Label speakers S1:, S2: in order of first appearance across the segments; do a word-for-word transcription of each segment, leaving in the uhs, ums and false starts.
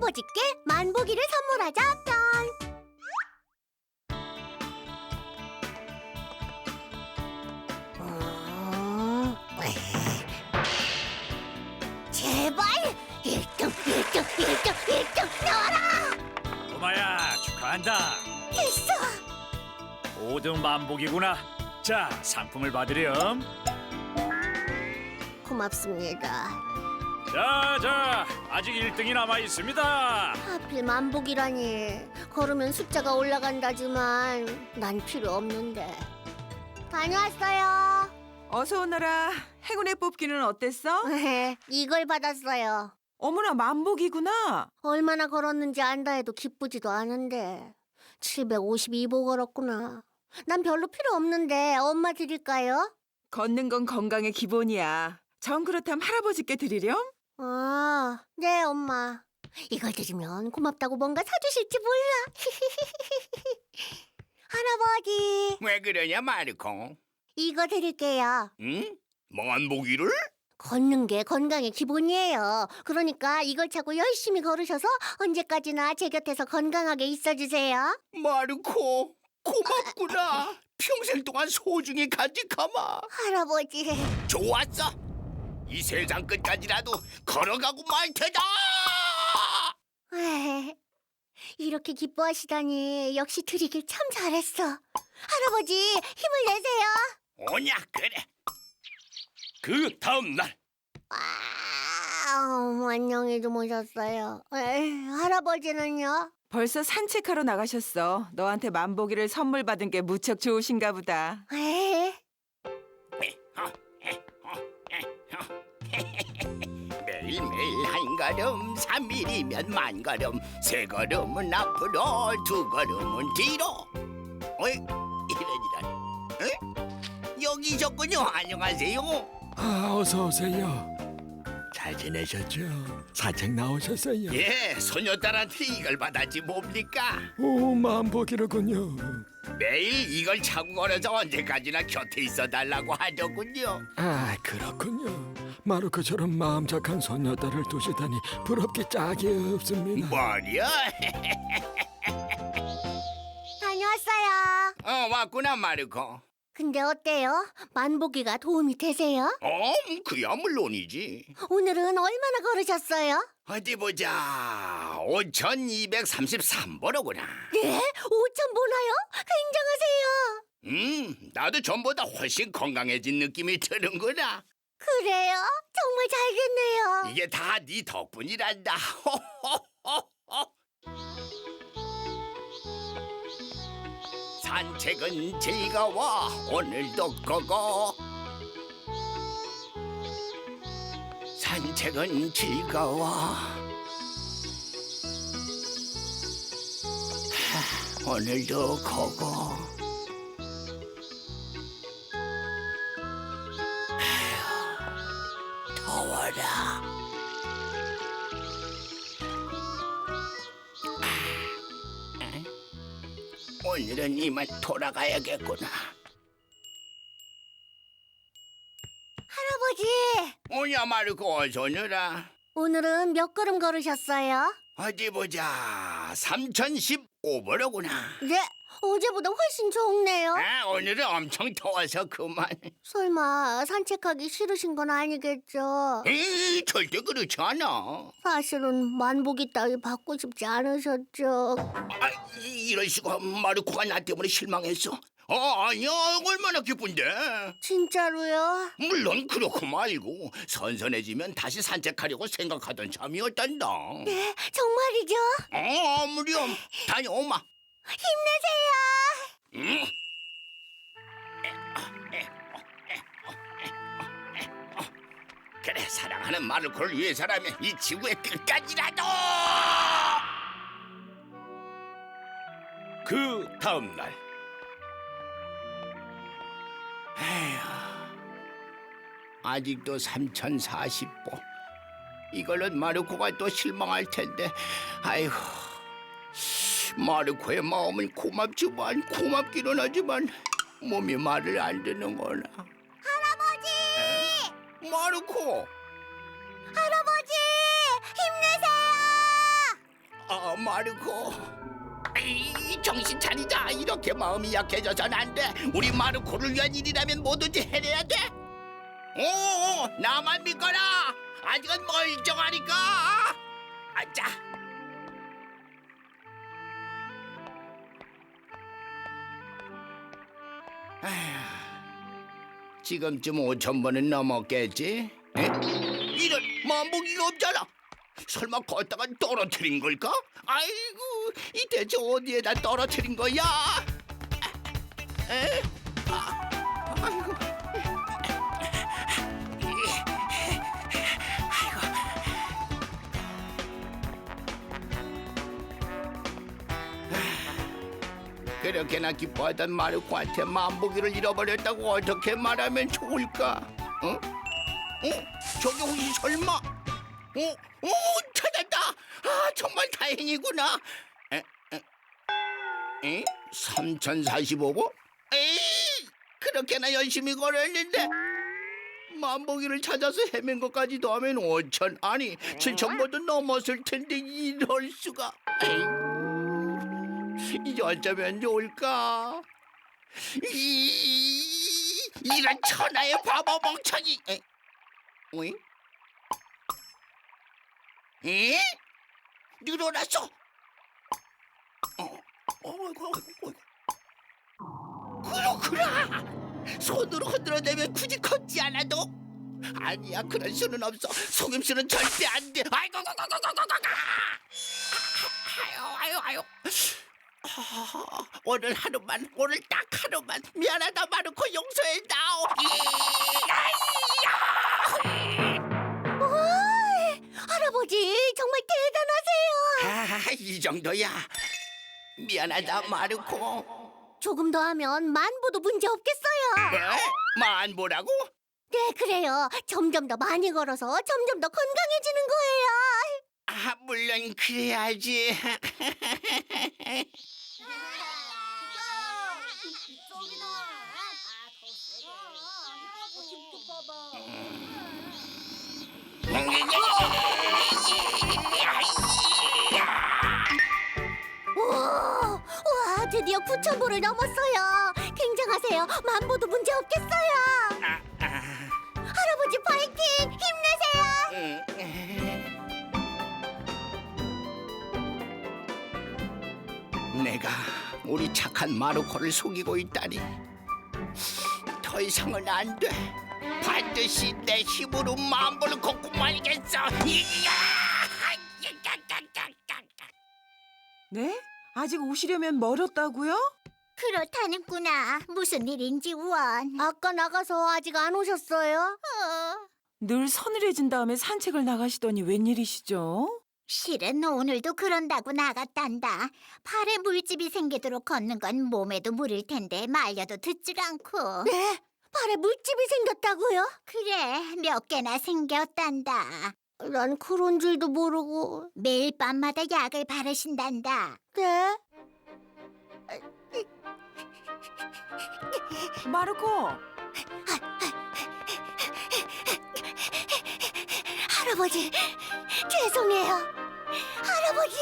S1: 할아버지께 만보기를 선물하자 편. 음, 제발 일 등, 일 등, 일 등, 일 등 나와라!
S2: 꼬마야, 축하한다.
S1: 됐어!
S2: 오 등 만복이구나. 자, 상품을 받으렴.
S1: 고맙습니다.
S2: 자, 자, 아직 일 등이 남아 있습니다.
S1: 하필 만복이라니. 걸으면 숫자가 올라간다지만 난 필요 없는데. 다녀왔어요.
S3: 어서 오너라. 행운의 뽑기는 어땠어?
S1: 이걸 받았어요.
S3: 어머나, 만복이구나.
S1: 얼마나 걸었는지 안다 해도 기쁘지도 않은데. 칠백오십이 보 걸었구나. 난 별로 필요 없는데 엄마 드릴까요?
S3: 걷는 건 건강의 기본이야. 정 그렇다면 할아버지께 드리렴?
S1: 아, 네 엄마. 이걸 드리면 고맙다고 뭔가 사주실지 몰라. 할아버지,
S4: 왜 그러냐 마르코?
S1: 이거 드릴게요.
S4: 응? 만보기를?
S1: 걷는 게 건강의 기본이에요. 그러니까 이걸 차고 열심히 걸으셔서 언제까지나 제 곁에서 건강하게 있어주세요.
S4: 마르코 고맙구나. 평생 동안 소중히 간직하마.
S1: 할아버지.
S4: 좋았어. 이 세상 끝까지라도 걸어가고 말 테다.
S1: 에이, 이렇게 기뻐하시다니 역시 드리길 참 잘했어. 할아버지 힘을 내세요.
S4: 오냐 그래. 그 다음 날
S1: 아, 안녕히 주무셨어요. 에이, 할아버지는요?
S3: 벌써 산책하러 나가셨어. 너한테 만보기를 선물 받은 게 무척 좋으신가 보다.
S1: 에이,
S4: 매일매일 한 걸음 삼일이면 만 걸음 세 걸음은 앞으로 두 걸음은 뒤로. 어이 이런 이런. 에? 여기셨군요. 안녕하세요.
S5: 아, 어서 오세요. 잘 지내셨죠? 산책 나오셨어요?
S4: 예, 소녀딸한테 이걸 받았지 뭡니까?
S5: 오, 만보기로군요.
S4: 매일 이걸 차고 걸어서 언제까지나 곁에 있어 달라고 하더군요.
S5: 아, 그렇군요. 마루코처럼 마음 착한 소녀딸을 두시다니 부럽기 짝이 없습니다.
S4: 뭐냐?
S1: 다녀왔어요.
S4: 어, 왔구나 마르코.
S1: 근데 어때요? 만보기가 도움이 되세요?
S4: 어, 그야 물론이지.
S1: 오늘은 얼마나 걸으셨어요?
S4: 어디 보자. 오천이백삼십삼 보로구나.
S1: 네? 오천 보나요? 굉장하세요.
S4: 음, 나도 전보다 훨씬 건강해진 느낌이 드는구나.
S1: 그래요? 정말 잘 됐네요.
S4: 이게 다 네 덕분이란다. 산책은 즐거워 오늘도 고고. 산책은 즐거워. 하, 오늘도 고고. 아휴, 더워라. 오늘은 이만 돌아가야겠구나.
S1: 할아버지,
S4: 오냐 마르코 어서 오너라.
S1: 오늘은 몇 걸음 걸으셨어요?
S4: 어디 보자. 삼천십오 보로구나.
S1: 네, 어제보다 훨씬 좋네요.
S4: 아, 오늘은 엄청 더워서 그만.
S1: 설마 산책하기 싫으신 건 아니겠죠?
S4: 에이, 절대 그렇지 않아.
S1: 사실은 만보기 따위 받고 싶지 않으셨죠?
S4: 아, 이- 이런 식으로 마르코가 나 때문에 실망했어. 어, 아니야. 얼마나 기쁜데.
S1: 진짜로요?
S4: 물론 그렇고 말고 선선해지면 다시 산책하려고 생각하던 참이었단다.
S1: 네, 정말이죠?
S4: 어, 무렴. 다녀오마.
S1: 힘내세요!
S4: 응? 그래, 사랑하는 마르코를 위해서라면 이 지구의 끝까지라도. 그 다음 날. 에휴, 아직도 삼천사십 보. 이걸로 마르코가 또 실망할 텐데. 아이고, 마르코의 마음은 고맙지만 고맙기는 하지만 몸이 말을 안 듣는구나.
S1: 할아버지!
S4: 마르코,
S1: 할아버지! 힘내세요!
S4: 마르코. 에이, 정신 차리자. 이렇게 마음이 약해져선 안 돼. 우리 마르코를 위한 일이라면 뭐든지 해내야 돼. 오, 나만 믿거라. 아직은 멀쩡하니까. 아자. 아휴, 지금쯤 오천 번은 넘었겠지? 에? 이런 만보기가 없잖아. 설마 걷다가 떨어뜨린 걸까? 아이고, 이 대체 어디에다 떨어뜨린 거야? 에? 아, 아이고. 그렇게나 기뻐하던 마르코한테 만보기를 잃어버렸다고 어떻게 말하면 좋을까? 어? 어? 저기 혹시 설마? 어? 어? 찾았다! 아, 정말 다행이구나. 에? 에? 에? 삼천사십오 번? 에이! 그렇게나 열심히 걸었는데 만보기를 찾아서 헤맨 것까지도 하면 오천, 아니 칠천 번도 넘었을 텐데 이럴 수가. 에이. 이제 어쩌면 좋을까? 이, 이런 천하의 바보 멍청이! 에? 왜? 에? 늘어났어! 어, 어이구, 어이구, 어이구. 그렇구나! 손으로 흔들어대면 굳이 걷지 않아도? 아니야, 그럴 수는 없어. 속임수는 절대 안 돼. 아이고, 아유, 아유, 아유. 아, 오늘 하루만, 오늘 딱 하루만. 미안하다, 마르코, 용서해 다오.
S1: 어이, 할아버지 정말 대단하세요.
S4: 아, 이 정도야. 미안하다, 마르코.
S1: 조금 더 하면 만보도 문제 없겠어요.
S4: 에? 만보라고?
S1: 네, 그래요. 점점 더 많이 걸어서 점점 더 건강해지는 거예요.
S4: 아, 물론 그래야지.
S1: 우와, 우와, 드디어 구천 보를 넘었어요. 굉장하세요. 만보도 문제 없겠어요.
S4: 아, 아.
S1: 할아버지 파이팅! 힘내세요.
S4: 내가 우리 착한 마르코를 속이고 있다니. 더 이상은 안 돼. 반드시 내 힘으로 만보를 걷고 말겠어. 이야!
S3: 네? 아직 오시려면 멀었다고요?
S1: 그렇다는구나. 무슨 일인지 원. 아까 나가서 아직 안 오셨어요?
S3: 늘 서늘해진 다음에 산책을 나가시더니 웬일이시죠?
S6: 실은 오늘도 그런다고 나갔단다. 팔에 물집이 생기도록 걷는 건 몸에도 물일 텐데 말려도 듣질 않고.
S1: 네? 팔에 물집이 생겼다고요?
S6: 그래, 몇 개나 생겼단다.
S1: 난 그런 줄도 모르고.
S6: 매일 밤마다 약을 바르신단다.
S1: 네?
S3: 마르코!
S1: 할아버지, 죄송해요. 할아버지.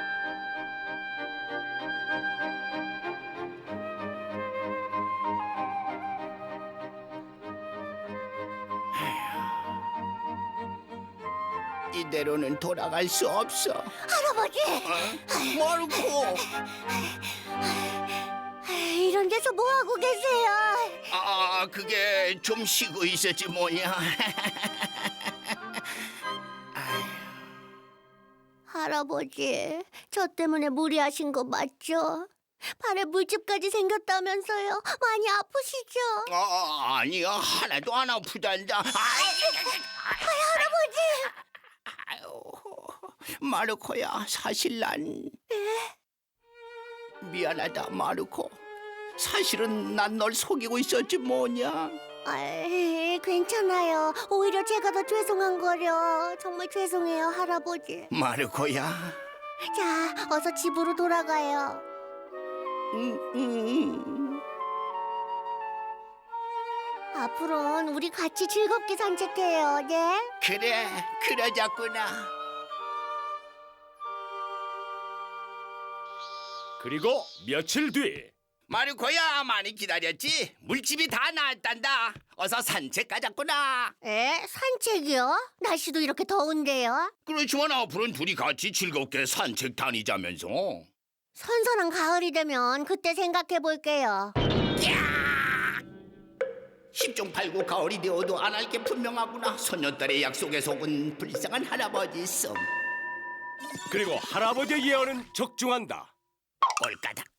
S4: 이대로는 돌아갈 수 없어.
S1: 할아버지.
S4: 어? 마르코.
S1: 이런 데서 뭐 하고 계세요?
S4: 아, 그게 좀 쉬고 있었지 뭐냐.
S1: 할아버지, 저 때문에 무리하신 거 맞죠? 팔에 물집까지 생겼다면서요. 많이 아프시죠?
S4: 아, 아니야, 하나도 안 아프단다.
S1: 할아버지.
S4: 아유, 마르코야, 사실 난 미안하다, 마르코. 사실은 난 널 속이고 있었지 뭐냐.
S1: 아이, 괜찮아요. 오히려 제가 더 죄송한 거려. 정말 죄송해요, 할아버지.
S4: 마르코야.
S1: 자, 어서 집으로 돌아가요.
S4: 음, 음.
S1: 앞으로는 우리 같이 즐겁게 산책해요, 네?
S4: 그래, 그러자꾸나.
S2: 그리고 며칠 뒤
S4: 마르코야, 많이 기다렸지? 물집이 다 나았단다. 어서 산책 가자꾸나.
S1: 에? 산책이요? 날씨도 이렇게 더운데요?
S4: 그렇지만 앞으로는 둘이 같이 즐겁게 산책 다니자면서.
S1: 선선한 가을이 되면 그때 생각해 볼게요.
S4: 십중팔구 가을이 되어도 안 할 게 분명하구나. 소녀딸의 약속에 속은 불쌍한 할아버지 썸.
S2: 그리고 할아버지의 예언은 적중한다.
S4: 꼴까닥.